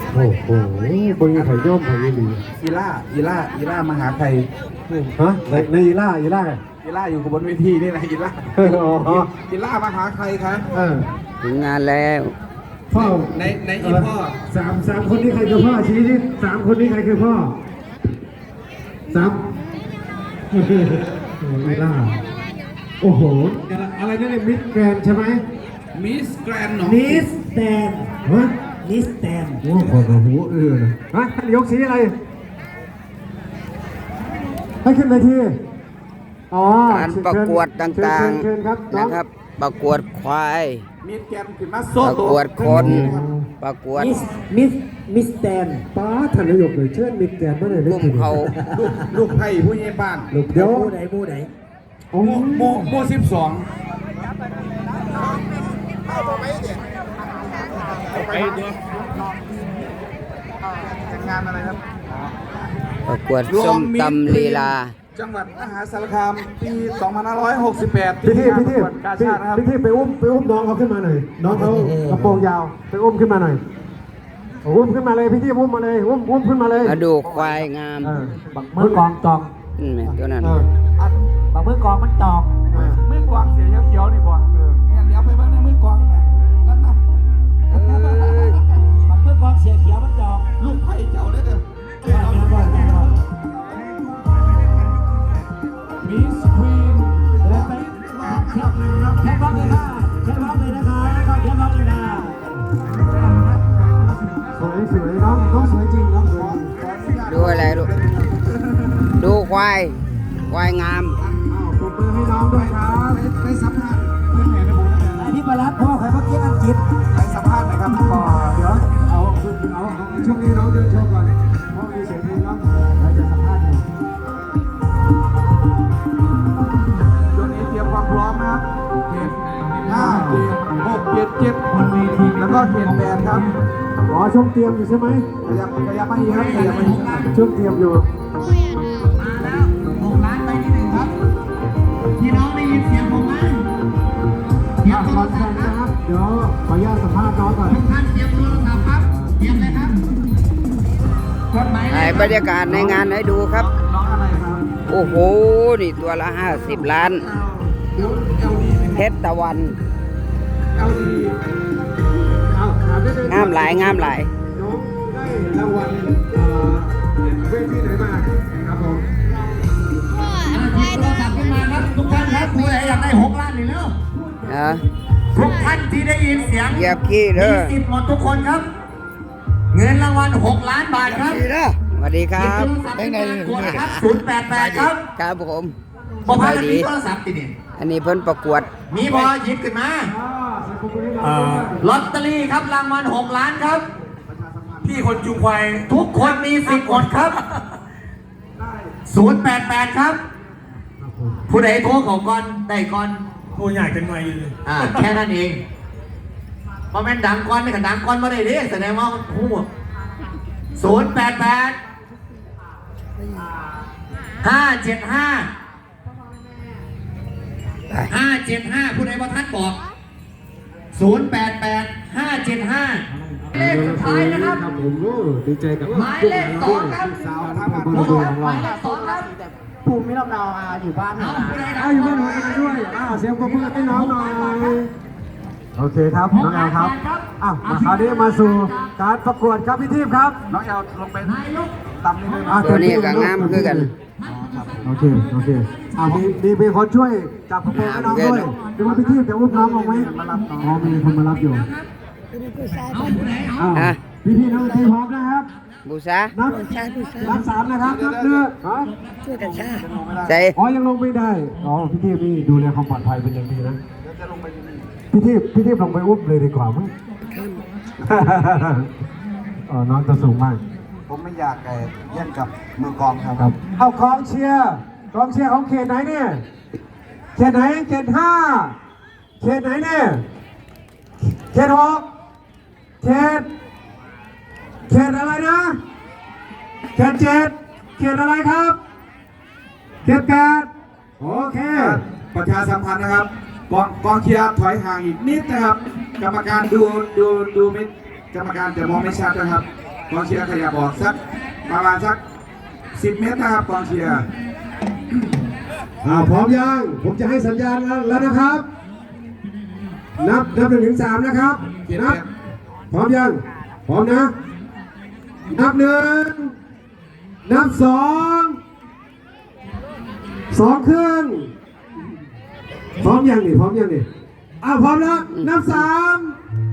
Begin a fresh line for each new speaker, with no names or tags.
โอ้โหบนไข่ย่อมไข่ยี่หลี
อีล่ามหาไทย
ฮะในอีล่า
อีล่าอยู่บนเวทีนี่แหละอีล่าอีล่ามหาไทยครับ
ถึงงานแล้ว
พ่อ
ในอีพ่อ
สามคนนี้ใครคือพ่อชี้ที่สามคนนี้ใครคือพ่อสามอีล่าโอ้โหอะไรนั่นเนี่ยมิสแกรนใช่ไหม
มิสแกรนหนอง
มิสแตน
ฮะ
มิสแตน
โอ้โหกระหูฮะท่านยกสีอะไรให้ขึ้นเวทีอ๋อ
การประกวดต่างๆนะครับประกวดควาย
มิสแกรนขึ้นมา
ประกวดคนประกวด
มิสแตน
ป้าท่านนายกเลยเชิญมิสแกรนมาเลย
ลูกเขา
ลูกไผ่ผู้ใหญ่บ้าน
เดี๋ยว
มูไหน
โม12ไปดูงานอะไรครับ
ประกวดส้มตำลีลา
จังหวัดมหาสารคามปี2568
พี่ไปอุ้มน้องเขาขึ้นมาหน่อยน้องเขากระโปรงยาวไปอุ้มขึ้นมาหน่อยอุ้มขึ้นมาเลยพี่อุ้มมาเลยอุ้มขึ้นมาเลย
มาดูควายงาม
บักมือกองจอง
ตัวนั้น
บักมือกองมันจอง
มือกองเสียเขียวนี่บ่เนี่ยเดี๋ยวไปบ้างในมือกองนั่นนะ
บักมือกองเสียเขียวมันจอง
ลูกไผ่เจ้าได้เด้อมิสควีน
เดินไปแค่ร้องเลยนะแค่ร้องเลยนะคะก็แค่ร้องเลยนะ
สวยน้องสวยจริงน้องสวย
ดูอะไรลูกดูควายงาม
ปรบมือให้น้องด้วยครับ
ไปสัมภาษณ์เพื่อนแม่ในบุญ
ที่มารับพ่อใครเมื่อกี้อังกฤษ
ไปสัมภาษณ์หน่อยครับก่อน
เดี๋ยวเอาช่วงนี้น้องเดินโชว์ก่อนเพราะมีเสียงเพลงน้องเราจะสัมภาษณ์อยู่
ช่วงนี้เตรียมความพร้อมนะครับเขต5เขต6เขต7
คนมีที
แล้วก็เขต8ครับ
ช่วงเตรียมอยู่ใช่ไหม
ขยับมาอีกครับขยับมาอีก
ช่วงเตรียมอยู่
มาแล้ว6 ล้านไปที่1ครับพี่น้องได้ยินเสียงผมไหมเตรียมโทรศัพท์
นะครับเดี๋ยวขออนุญาตสัมภาษณ์น้องก่อน
ทุกท่านเตรียมโทรศัพท์ครับเตรียมเลยครับ
ถ่ายบรรยากาศในงานให้ดูครับ
น้องอะไรครับ
โอ้โหนี่ตัวละ50 ล้านเพชรตะวันงามหลาย
น้องได้รางวัลเวทีไหนมาครับผม
หยิบโทรศัพท์ขึ้นมาครับทุกท่านครับผู้ใดอยากได้6 ล้านนี่เร็วทุกท่านที่ได้ยินเสียง
เหยียบขี้เด้อ
มีสิทธิ์หมดทุกคนครับเงินรางวัล6 ล้านบาทครับ
สวัสดีครับ
088ครับ
ครับผม
บอกว่ามีโทรศัพท์ติดนี่
อันนี้เพิ่นประกวด
มีบอหยิบขึ้นมาลอตเตอรี่ครับรางวัล6 ล้านครับพี่คนจุงควายทุกคนมีสิทธิ์กดครับ088ครับผู้ใดโทรของก่อนได้ก่อน
ผู้ใหญ่เป็นไงเลย
แค่นั้นเองพอแม่นดังก่อนนี่กันดังก่อนมาได้ดิแสดงว่าผู้088 575ผู้ใดว่าท่านบอก088 575เลขสุดท้ายนะครับ
ผมดีใจกับ
หมายเลข2ครับ
สาวท่าบางคนของเรา
หมายเลข2ครับ
ภูมิลำเนาอยู่บ้านหน่อย
อยู่บ้านหน่อยด้วยเสียงปรบมือให้น้องหน่อยโอเคครับน้องแอลครับมาคราวนี้มาสู่การประกวดครับพี่ทีมครับ
น้องแอลลงไปตำนิดนึง
ตัวนี้ก็งามคือกัน
โอเคมีคนช่วยจับกระโปรงให้น้องด้วยดูว่าพี่ทีมจะอุ้มน้องลงไหมมีคนมารับอยู่พี่น้องทีพร้อมนะครับ
บูชา
นับ3นะครับนับเรือ
ช่วยกันชา
ใช่
ยังลงไม่ได้พี่ทีมนี่ดูแลความปลอดภัยเป็นอย่างดีนะพี่ทีมลงไปอุ้มเลยดีกว่ามั้งน้องจะสูงมาก
ผมไม่อยากแย่งกับมือกองครับ
เอากองเชียร์ของเขตไหนเนี่ยเขตไหนเขต5เขตไหนเนี่ยเขต6เขตอะไรนะเขต7เขตอะไรครับเขต8โอเค
ประชาสัมพันธ์นะครับกองเชียร์ถอยห่างอีกนิดนะครับกรรมการดูไม่กรรมการจะมองไม่ชัดนะครับกองเชียร์ขยับออกสักประมาณสัก10 เมตรนะครับกองเชียร์
พร้อมยัง ผมจะให้สัญญาณแล้วนะครับ นับ1 ถึง 3นะครับ นับ พร้อมยัง พร้อมนะ นับ 1 นับ 2 ครึ่ง พร้อมยังนี่ พร้อมยังนี่พร้อมแล้ว นับ 3